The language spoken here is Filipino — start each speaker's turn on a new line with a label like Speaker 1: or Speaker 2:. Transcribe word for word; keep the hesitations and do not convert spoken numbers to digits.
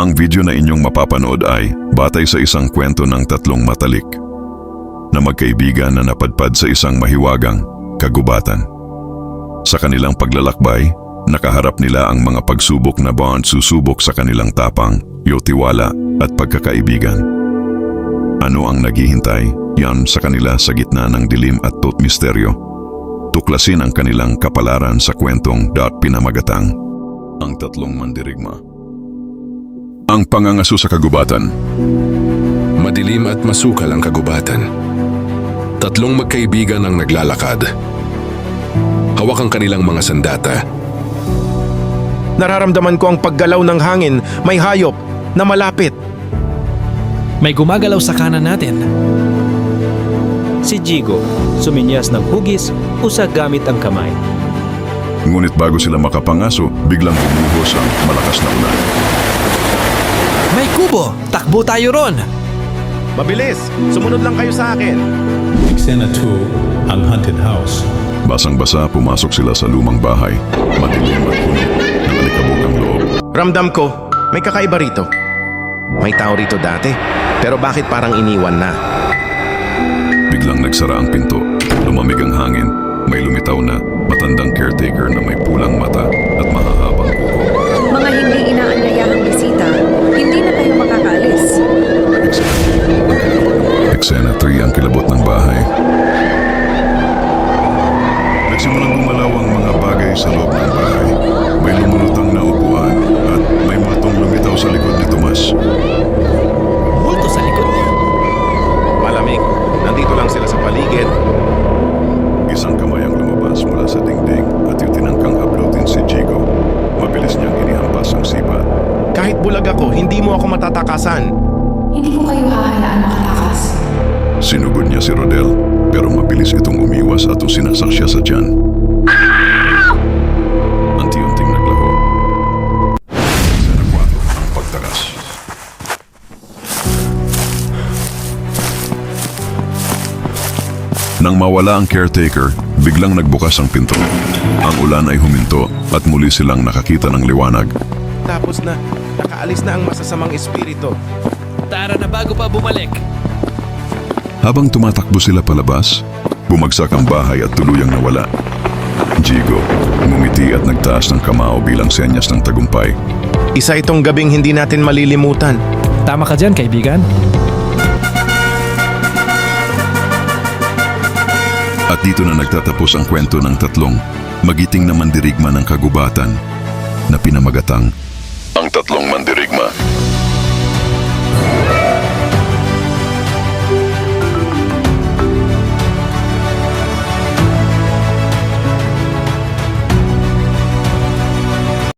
Speaker 1: Ang video na inyong mapapanood ay batay sa isang kwento ng tatlong matalik na magkaibigan na napadpad sa isang mahiwagang kagubatan. Sa kanilang paglalakbay, nakaharap nila ang mga pagsubok na bawat susubok sa kanilang tapang, tiwala at pagkakaibigan. Ano ang naghihintay? Yan sa kanila sa gitna ng dilim at tot misteryo. Tuklasin ang kanilang kapalaran sa kwentong dot pinamagatang Ang Tatlong Mandirigma. Ang pangangaso sa kagubatan.
Speaker 2: Madilim at masukal ang kagubatan. Tatlong magkaibigan ang naglalakad. Hawak ang kanilang mga sandata.
Speaker 3: Nararamdaman ko ang paggalaw ng hangin, may hayop na malapit.
Speaker 4: May gumagalaw sa kanan natin.
Speaker 5: Si Jigo, suminyas ng hugis, usag gamit ang kamay.
Speaker 1: Ngunit bago sila makapangaso, biglang bumuhos ang malakas na ulan.
Speaker 4: May kubo! Takbo tayo ron!
Speaker 3: Mabilis! Sumunod lang kayo sa akin!
Speaker 6: Eksena two, ang haunted house.
Speaker 1: Basang-basa pumasok sila sa lumang bahay, madilim at puno ng alikabok ang loob.
Speaker 3: Ramdam ko, may kakaiba rito. May tao rito dati, pero bakit parang iniwan na?
Speaker 1: Biglang nagsara ang pinto, lumamig ang hangin, may lumitaw na matandang caretaker na may pulang mata at mahahabang kuko.
Speaker 7: Mga hindi inaanyayahang bisita, hindi na kayo makakaalis.
Speaker 1: Eksena three ang kilabot ng bahay. Nagsimulang gumalaw ang mga bagay sa loob ng bahay. May lumulutang na upuan at may multong lumitaw sa likod ni Tomas.
Speaker 4: Multo sa likod niya.
Speaker 3: Malamig, nandito lang sila sa paligid.
Speaker 1: Isang kamay ang lumabas mula sa dingding at yung tinangkang hablutin si Jigo. Mabilis niyang inihampas ang sipa.
Speaker 3: Kahit bulag ako, hindi mo ako matatakasan.
Speaker 8: Hindi ko kayo hahayaan makatakas.
Speaker 1: Sinugod niya si Rodel, pero mabilis itong umiwas at usinasak siya sa tiyan. Unti-unting naglaho. Eksena four, ang pagtakas. Nang mawala ang caretaker, biglang nagbukas ang pinto. Ang ulan ay huminto at muli silang nakakita ng liwanag.
Speaker 3: Tapos na, nakaalis na ang masasamang espiritu.
Speaker 4: Tara na bago pa bumalik.
Speaker 1: Habang tumatakbo sila palabas, bumagsak ang bahay at tuluyang nawala. Jigo, ngumiti at nagtaas ng kamao bilang senyas ng tagumpay.
Speaker 3: Isa itong gabing hindi natin malilimutan.
Speaker 4: Tama ka dyan, kaibigan.
Speaker 1: At dito na nagtatapos ang kwento ng tatlong magiting na mandirigma ng kagubatan na pinamagatang Ang Tatlong Mandirigma.